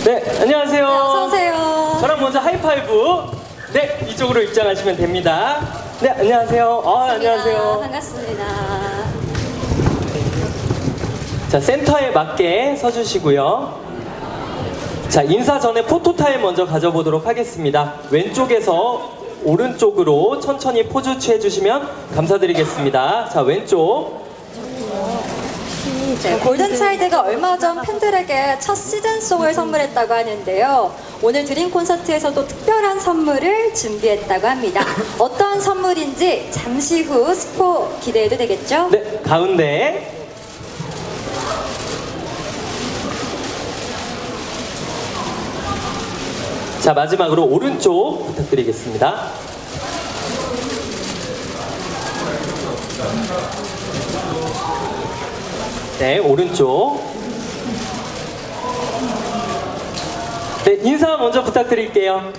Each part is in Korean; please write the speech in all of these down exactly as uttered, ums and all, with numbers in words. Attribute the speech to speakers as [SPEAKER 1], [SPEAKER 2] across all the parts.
[SPEAKER 1] 네, 안녕하세요.
[SPEAKER 2] 네, 어서오세요.
[SPEAKER 1] 저랑 먼저 하이파이브. 네, 이쪽으로 입장하시면 됩니다. 네, 안녕하세요. 아, 안녕하세요.
[SPEAKER 2] 반갑습니다.
[SPEAKER 1] 자, 센터에 맞게 서주시고요. 자, 인사 전에 포토타임 먼저 가져보도록 하겠습니다. 왼쪽에서 오른쪽으로 천천히 포즈 취해주시면 감사드리겠습니다. 자, 왼쪽.
[SPEAKER 2] 네, 골든차일드가 얼마 전 팬들에게 첫 시즌송을 선물했다고 하는데요. 오늘 드림 콘서트에서도 특별한 선물을 준비했다고 합니다. 어떤 선물인지 잠시 후 스포 기대해도 되겠죠?
[SPEAKER 1] 네, 가운데. 자, 마지막으로 오른쪽 부탁드리겠습니다. 네, 오른쪽. 네, 인사 먼저 부탁드릴게요.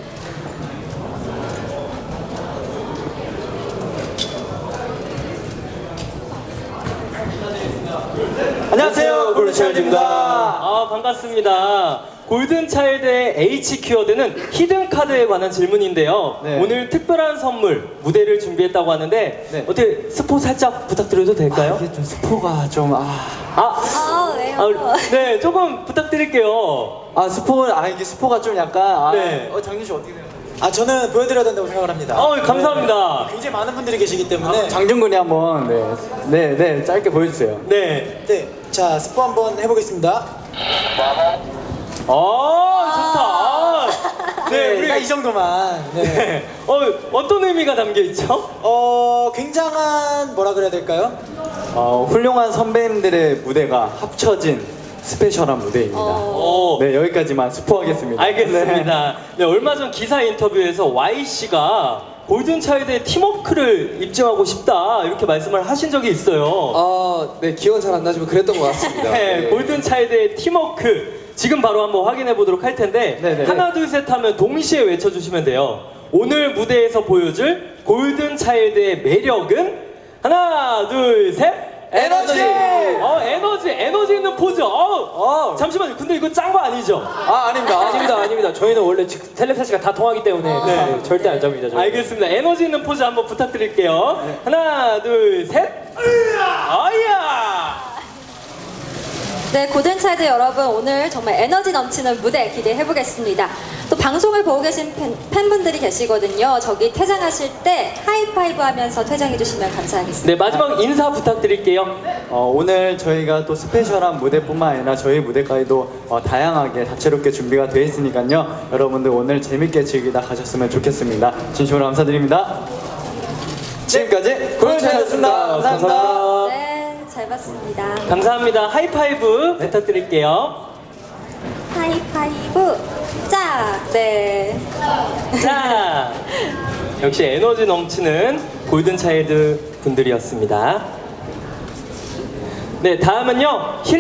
[SPEAKER 3] 안녕하세요, 골든차일드입니다.
[SPEAKER 1] 아, 반갑습니다. 골든차일드의 H 키워드는 히든 카드에 관한 질문인데요.
[SPEAKER 3] 네.
[SPEAKER 1] 오늘 특별한 선물 무대를 준비했다고 하는데
[SPEAKER 3] 네.
[SPEAKER 1] 어떻게 스포 살짝 부탁드려도 될까요?
[SPEAKER 3] 이게 좀 스포가 좀 아,
[SPEAKER 1] 아,
[SPEAKER 2] 아, 왜요?
[SPEAKER 1] 아, 네, 조금 부탁드릴게요.
[SPEAKER 3] 아 스포 아 이게 스포가 좀 약간 아,
[SPEAKER 1] 네.
[SPEAKER 3] 어 장준 씨 어떻게 생각해요?
[SPEAKER 4] 아 저는 보여드려야 된다고 생각을 합니다.
[SPEAKER 1] 어, 감사합니다.
[SPEAKER 4] 네, 굉장히 많은 분들이 계시기 때문에
[SPEAKER 3] 장준 군이 한번 네, 네, 네 짧게 보여주세요.
[SPEAKER 1] 네.
[SPEAKER 4] 네, 자 스포 한번 해보겠습니다.
[SPEAKER 1] 어, 좋다. 아, 네,
[SPEAKER 4] 우리가 이
[SPEAKER 1] 우리
[SPEAKER 4] 정도만. 네.
[SPEAKER 1] 네. 어, 어떤 의미가 담겨 있죠?
[SPEAKER 4] 어 굉장한 뭐라 그래야 될까요?
[SPEAKER 3] 어, 훌륭한 선배님들의 무대가 합쳐진 스페셜한 무대입니다.
[SPEAKER 2] 어,
[SPEAKER 1] 어,
[SPEAKER 3] 네 여기까지만 스포하겠습니다.
[SPEAKER 1] 알겠습니다. 네, 얼마 전 기사 인터뷰에서 와이씨가 골든차일드의 팀워크를 입증하고 싶다 이렇게 말씀을 하신 적이 있어요.
[SPEAKER 5] 아, 네, 기억은 잘 안 나지만 그랬던 것 같습니다.
[SPEAKER 1] 네, 골든차일드의 팀워크 지금 바로 한번 확인해 보도록 할 텐데
[SPEAKER 3] 네네.
[SPEAKER 1] 하나 둘 셋 하면 동시에 외쳐주시면 돼요. 오늘 무대에서 보여줄 골든차일드의 매력은 하나 둘 셋.
[SPEAKER 3] 에너지!
[SPEAKER 1] 어, 에너지, 에너지 있는 포즈. 어, 어. 잠시만요. 근데 이거 짠 거 아니죠?
[SPEAKER 3] 아 아닙니다.
[SPEAKER 5] 아닙니다, 아닙니다. 저희는 원래 즉 텔레파시가 다 통하기 때문에
[SPEAKER 1] 네.
[SPEAKER 5] 네, 절대 안 잡니다. 저희.
[SPEAKER 1] 알겠습니다. 에너지 있는 포즈 한번 부탁드릴게요. 하나, 둘, 셋. 어이야!
[SPEAKER 2] 네, 골든차일드 여러분 오늘 정말 에너지 넘치는 무대 기대해 보겠습니다. 또 방송을 보고 계신 팬, 팬분들이 계시거든요. 저기 퇴장하실 때 하이파이브 하면서 퇴장해 주시면 감사하겠습니다.
[SPEAKER 1] 네, 마지막 인사 부탁드릴게요.
[SPEAKER 3] 어, 오늘 저희가 또 스페셜한 무대뿐만 아니라 저희 무대까지도 어, 다양하게 다채롭게 준비가 되어 있으니까요. 여러분들 오늘 재밌게 즐기다 가셨으면 좋겠습니다. 진심으로 감사드립니다. 지금까지 골든차일드였습니다. 감사합니다.
[SPEAKER 2] 네, 잘 봤습니다.
[SPEAKER 1] 감사합니다. 하이파이브 부탁드릴게요.
[SPEAKER 2] 하이파이브 짝! 네.
[SPEAKER 1] 자, 역시 에너지 넘치는 골든차일드 분들이었습니다. 네, 다음은요. 힐